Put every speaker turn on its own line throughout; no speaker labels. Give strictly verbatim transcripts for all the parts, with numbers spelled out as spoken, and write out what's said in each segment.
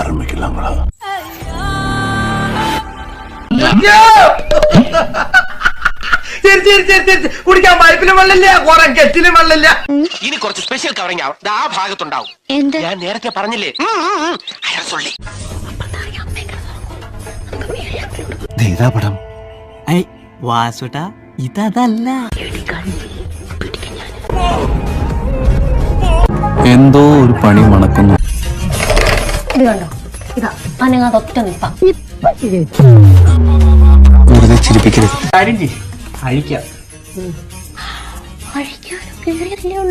ஆரம்பிக்கலாங்களா?
കുടിക്കാൻ പൈപ്പിലും വെള്ളമില്ല, കുറെ കെറ്റിലും വെള്ളമില്ല.
ഇനി കുറച്ച് സ്പെഷ്യൽ കവറിംഗ് ആവും, ആ ഭാഗത്തുണ്ടാവും. ഞാൻ നേരത്തെ പറഞ്ഞില്ലേ, അയാൾ സൊള്ളി.
ഇതാ പടം.
വാസുട്ടാ ഇതല്ല.
എന്തോ ഒരു പണി മണക്കുന്നു.
ഇത് കണ്ടോ, ഇതാ അനങ്ങാതൊറ്റ നിപ്പ.
വെറുതെ ചിരിപ്പിക്കരുത്.
കാര്യം ചെയ്യ്, അഴിക്കാം.
അഴിക്കാനും കേറിയതല്ലേ ഉള്ളൂ.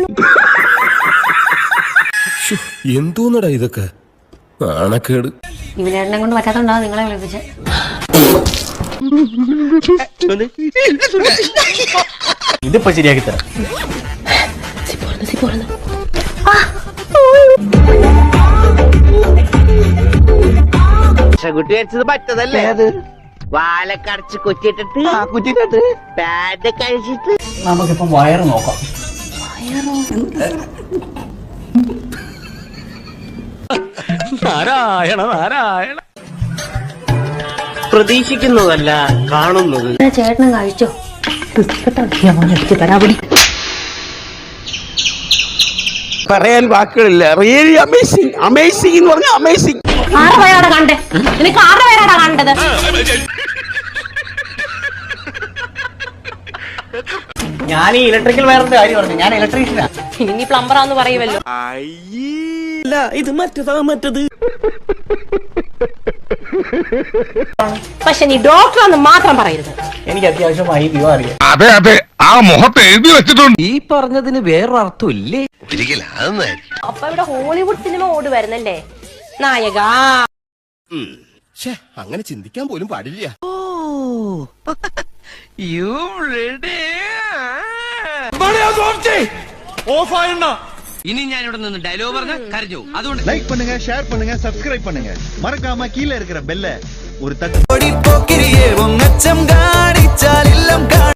എന്തോന്നടാ ഇതൊക്കെ, നാണക്കേട്.
ഇവനെണ്ണ കൊണ്ട് പറ്റാത്തോണ്ടാവും നിങ്ങളെ വിളിപ്പിച്ച്.
ഇതിപ്പോ ശരിയാക്കി തരാം.
കുട്ടി വെച്ചത് പറ്റതല്ലേ, അത് വാലക്കടച്ച് കുറ്റിട്ടിട്ട്
കുറ്റിട്ട്
പാഡ് കഴിച്ചിട്ട്.
നമുക്കിപ്പം വയറ് നോക്കാം.
നാരായണ നാരായണ.
പ്രതീക്ഷിക്കുന്നതല്ല കാണുന്നത്.
ചേട്ടനും കഴിച്ചോ?
പറയാൻ വാക്കുകളില്ല. റിയലി അമേസിംഗ്, അമേസിംഗ് എന്ന് പറഞ്ഞാൽ അമേസിംഗ്.
ആരുടെ പേരാടാ കണ്ടേ? നിനക്ക് ആരുടെ പേരാടാ കണ്ടത്?
ഞാൻ ഈ ഇലക്ട്രിക്കൽ വയറിന്റെ കാര്യം പറഞ്ഞു. ഞാൻ ഇലക്ട്രീഷ്യനാ.
ഇനി പ്ലംബറാന്ന് പറയുമല്ലോ.
ഇത് മറ്റേതാ മറ്റത്.
പക്ഷെ നീ ഡോക്ടറാന്ന് മാത്രം പറയരുത്.
എനിക്ക് അത്യാവശ്യമായി വിവരം അറിയാം.
അതെ അതെ, ആ മുഖത്ത് എഴുതി വെച്ചിട്ടുണ്ട്.
ഈ പറഞ്ഞതിന് വേറൊരർത്ഥം ഇല്ലേ?
അപ്പൊ ഇവിടെ ഹോളിവുഡ് സിനിമ ഓടി വരുന്നല്ലേ നായക.
അങ്ങനെ ചിന്തിക്കാൻ പോലും പാടില്ല.
ഇനി ഞാൻ ഇവിടെ നിന്ന് ഡയലോഗ് പറഞ്ഞ കരഞ്ഞു. അതുകൊണ്ട്
லைக் பண்ணுங்க, ஷேர் பண்ணுங்க, சப்ஸ்கிரைப் பண்ணுங்க. மறக்காம கீழ இருக்கிற பெல்ல ஒரு தட்டு